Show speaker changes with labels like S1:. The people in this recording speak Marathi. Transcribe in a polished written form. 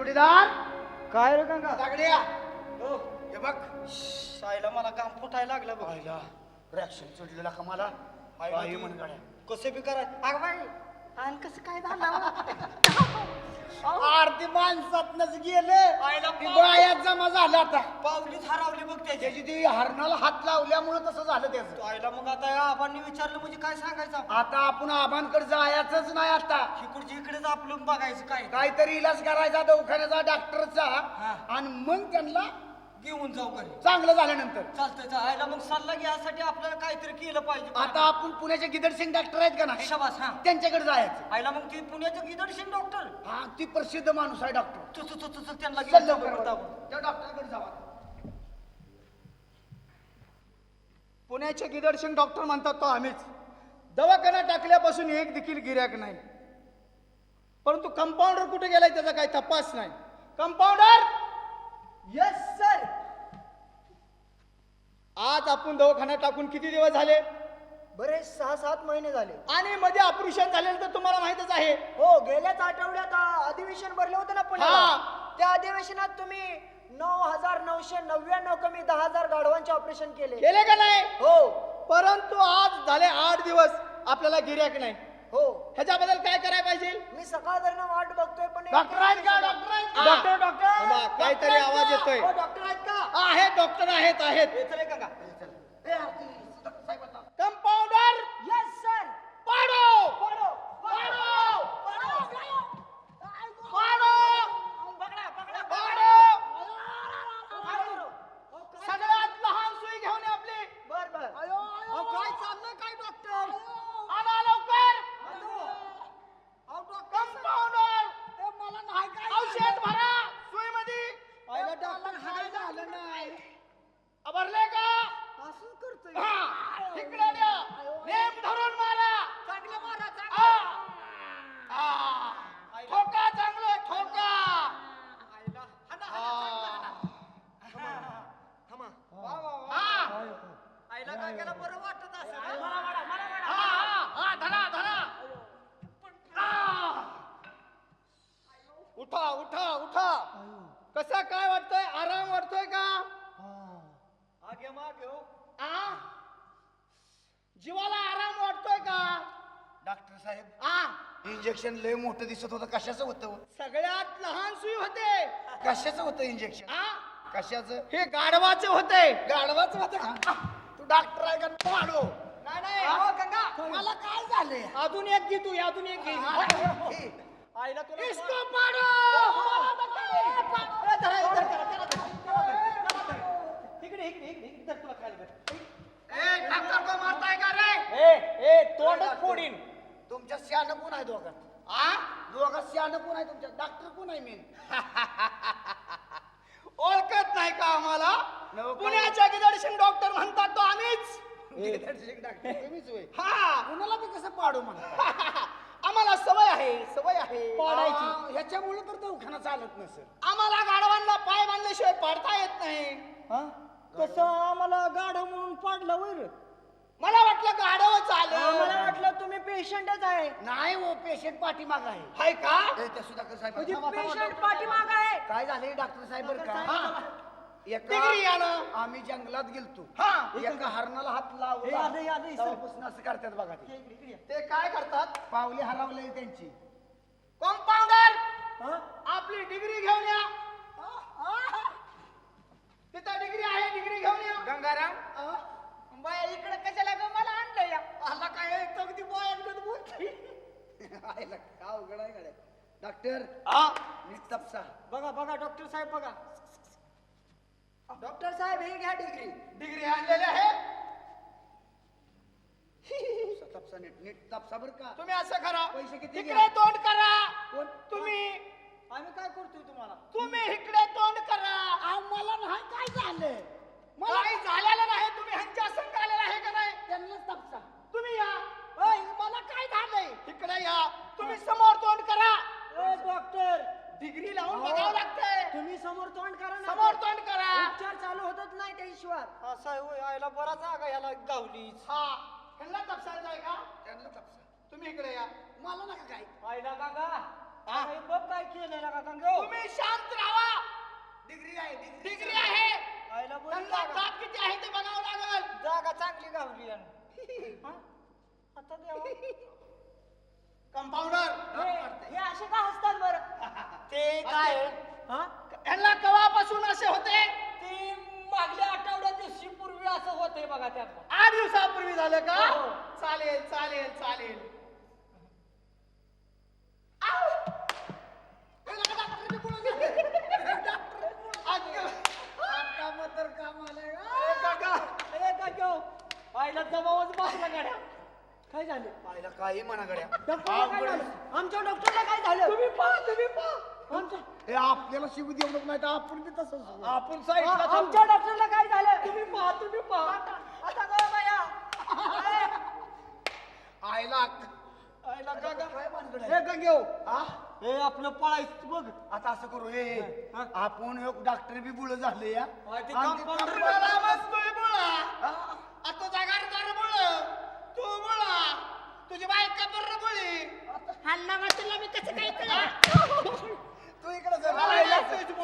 S1: जोडीदार
S2: काय रे गंगा
S1: दागड्या
S2: हो
S1: हे बघ
S2: सायला मला काम फुटायला लागलं बघ
S1: पाहिला रिॲक्शन चढलेला का मला काही म्हण गाड्या
S2: कसं बी करा अगं बाई आणि कसं काय झालं
S1: आरती माणसातनच गेले
S2: आईला
S1: बायात जमा झाला आता
S2: पावलीच हरवली बघ त्याची
S1: त्याची ती हरणाला हात लावल्यामुळे तसं झालं त्याचं
S2: आईला मग आता या आबांनी विचारलं म्हणजे काय सांगायचं
S1: आता आपण आबांकडे जायचंच नाही आता
S2: इकडची इकडेच आपलं बघायचं काय
S1: काहीतरी इलाज करायचा दवाखान्याचा डॉक्टरचा
S2: हा.
S1: आणि मग त्यांना
S2: घेऊन जाऊ घरी
S1: चांगलं झाल्यानंतर
S2: चालतंय आईला मग सल्ला घ्यायसाठी आपल्याला काहीतरी केलं पाहिजे
S1: आता आपण पुण्याचे गिदडसिंग डॉक्टर आहेत का नाही
S2: शबास हा
S1: त्यांच्याकडे जायचं
S2: आईला मग ती पुण्याचं गिदडशील डॉक्टर
S1: हा ती प्रसिद्ध माणूस आहे डॉक्टर
S2: तू त्यांना
S1: चल
S2: घेऊन जाऊ
S1: लवकर
S2: बरं.
S1: त्या डॉक्टरकडे जावा
S3: पुण्याचे गिदडसिंग डॉक्टर म्हणतात तो आम्हीच दवाखाना टाकल्यापासून एक देखील गिऱ्हाईक नाही परंतु कंपाऊंडर कुठे गेलाय त्याचा काही तपास नाही कंपाऊंडर
S2: येस सर
S3: आज आपण दवाखाना टाकून किती दिवस झाले
S2: बरे 6-7 महिने झाले
S3: आणि मध्ये ऑपरेशन झालेलं तर तुम्हाला माहितच आहे
S2: हो गेल्याच आठवड्यात अधिवेशन भरलं होतं ना पुण्याला त्या अधिवेशनात तुम्ही 9,999 कमी 10,000 गाढवांचे ऑपरेशन केले
S3: का नाही
S2: हो
S3: परंतु आज झाले 8 दिवस आपल्याला गिऱ्हाईक नाही
S2: हो
S3: ह्याच्याबद्दल काय करायला पाहिजे
S2: मी सकाळधरण वाट बघतोय पण
S1: डॉक्टर आहेत का डॉक्टर आहेत का?
S3: डॉक्टर थांबा, काहीतरी आवाज येतोय
S2: डॉक्टर आहेत का
S3: आहेत डॉक्टर आहेत
S2: चले का
S1: ए, आरती, साहेब आता.
S3: कंपाऊंडर
S2: येस सर
S3: पाडो
S2: पडो
S3: पाडो
S2: पकडा पकडा
S3: पाडो सगळ्यात लहान सुई घेऊन ये आपली
S2: बर बर
S3: काय चाललंय काय डॉक्टर आणा लवकर कंपाऊंडर
S2: मला नाही काय
S3: औषध भरा सुई मध्ये
S2: पहिला डॉक्टर काय झालं नाही
S3: भरले का
S2: असं करतोय
S3: हा, इकडे द्या नेम धरून मारा
S2: चांगलं मारा
S3: आ, आ, ठोका चांगलं ठोका
S2: आईला काय केलं बरं वाटत असं
S3: धरा धरा उठा उठा उठा कसा काय वाटतोय आराम वाटतोय का
S2: आगे मागे हो
S3: आ जीवाला आराम वाटतोय का
S1: डॉक्टर साहेब
S3: आ
S1: इंजेक्शन लय मोठं दिसत होतं कशाचं होतं
S3: सगळ्यात लहान सुई होते
S1: कशाचं होतं इंजेक्शन
S3: आ
S1: कशाचं
S3: हे गाढवाचे होते
S1: गाढवाचं होतं का तू डॉक्टर आहे का पाडो
S3: नाही नाही
S2: हो गंगा
S1: मला काय झालंय
S3: अजून एक घे तू अजून एक घे
S2: आईला तुला
S3: इसको पाडो
S2: इकडे इकडे इकडे तर तुला खाली बस
S3: ए डॉक्टर को मारताय का रे
S2: ए तोंडच फोडीन
S1: तुमच्या शहाणं कोण आहे दोघात
S3: आ
S1: दोघात शहाणं कोण आहे तुमच्या डॉक्टर कोण आहे मेन
S3: ओळखत नाही का आम्हाला
S1: नको.
S3: पुण्याच्या गिदडसिंग डॉक्टर म्हणतात तो आम्हीच
S1: डॉक्टर तुम्हीच होय
S3: हा
S1: कुणाला बी कसं पाडू म्हणा
S3: आम्हाला सवय आहे पाडायची
S1: ह्याच्यामुळे तर दवाखाना चालत नसेल
S3: आम्हाला गाढवांना पाय बांधल्याशिवाय पाडता येत नाही
S2: कसं आम्हाला गाढव म्हणून पाडलं वर
S3: मला वाटलं गाढव चालेल
S2: मला वाटलं तुम्ही पेशंटच आहे
S1: नाही हो पेशंट पाठीमाग आहे
S3: हाय का
S1: ए, त्या सुधाकर साहेब
S2: म्हणजे
S1: थांबा, थांबा,
S2: पेशंट
S1: थांबा.
S2: पाठीमाग आहे
S1: काय झाले डॉक्टर साहेब बरं का
S3: हा.
S1: एका
S3: डिग्री यानं.
S1: आम्ही जंगलात गेलतो
S3: हा.
S1: एका हरणाला हात
S2: हे आलं, हे आलं, हे आलं.
S1: लावून असं करतात बघा ते
S3: ते काय करतात
S1: पावली हरवले त्यांची
S3: कंपाऊंडर आपली डिग्री घेऊन या तिथं डिग्री आहे डिग्री घेऊन या
S1: गंगाराम
S2: बाया इकडे कशाला ग मला आणलं या
S3: आला काय एक अगदी बॉयनगत बोलते
S1: आयला, काय अवघड आहे गड्या. डॉक्टर
S3: आ
S1: नीट तपसा
S2: बघा बघा डॉक्टर साहेब बघा डॉक्टर साहेब हे घ्या डिग्री
S3: डिग्री आणलेली आहे
S1: तपसा नीट नीट तपसा बरं का
S3: तुम्ही असं करा
S1: पैसे किती
S3: इकडे
S1: घ्या?
S3: तोंड करा
S1: कोण?
S3: तुम्ही
S2: आम्ही काय करतोय तुम्हाला
S3: तुम्ही इकडे तोंड करा
S1: आम्हाला नाही काय झालं
S3: काही झालेलं नाही तुम्ही ह्यांच्या संग आलेला आहे का नाही
S1: त्यांनाच तपसा
S3: तुम्ही या
S1: ओय, मला काय झालंय
S3: इकडे या तुम्ही समोर तोंड करा
S2: डॉक्टर
S3: डिग्री लावून बघावं लागतंय
S2: तुम्ही समोर तोंड करा ना
S3: समोर तोंड करा
S2: उपचार चालू होतच नाही त्याशिवाय असं आहे होय आयला बरा जागा याला गावली
S3: हा ह्यांना तपसायचं आहे का
S1: त्यांना तपसा
S3: तुम्ही इकडे या
S1: मला नका काय
S2: आयला काका अरे बघ काय केलेलं का गंगो
S3: तुम्ही शांत राहा.
S1: डिग्री आहे
S3: डिग्री आहे.
S2: आईला बोल
S3: त्यांना दाब किती आहे ते बघावं लागल.
S2: जागा चांगली गावली आणि. हा? आता देवा.
S3: कंपाऊंडर
S2: हे असे का हसतात बरं
S1: ते काय आहे?
S2: हा
S3: यांना कवापासून असे होते?
S2: ते मागल्या आठवड्यात दिवशी पूर्वी असं होतंय बघा त्यात
S3: 8 दिवसापूर्वी झालं का?
S2: हो.
S3: चालेल चालेल चालेल.
S2: आईला जमावच बसला गाड्या काय झाले
S1: पाहिलं काही म्हणा गड्या
S2: डॉक्टरला काय झालं आमच्या डॉक्टरला काय झालं तुम्ही पहा आमच्या
S1: हे आपल्याला शिव देऊ नाही तर आपण बी तसंच होऊ.
S3: आपण साईडला
S2: आमच्या डॉक्टरला काय झालं तुम्ही पहा आता गं बाया
S1: आईला
S3: आईला काका.
S1: काय भानगड आहे?
S3: हे गंगेव,
S1: हा?
S2: हे आपलं पळायचं बघ
S1: आता असं करू हे आपण एक डॉक्टर बी बुळ झाले या
S2: ते
S1: आणि ते
S2: कंपाऊंडर
S1: कंपाऊंडर
S3: मला बसतोय बोला.
S1: हा?
S3: आता जागारदार बोल. तू बोला. तुझी बायका बरं बोली.
S2: हल्ला वाटला मी कसं काय
S1: तू इकडे
S3: मला
S1: जरा
S3: यायचंच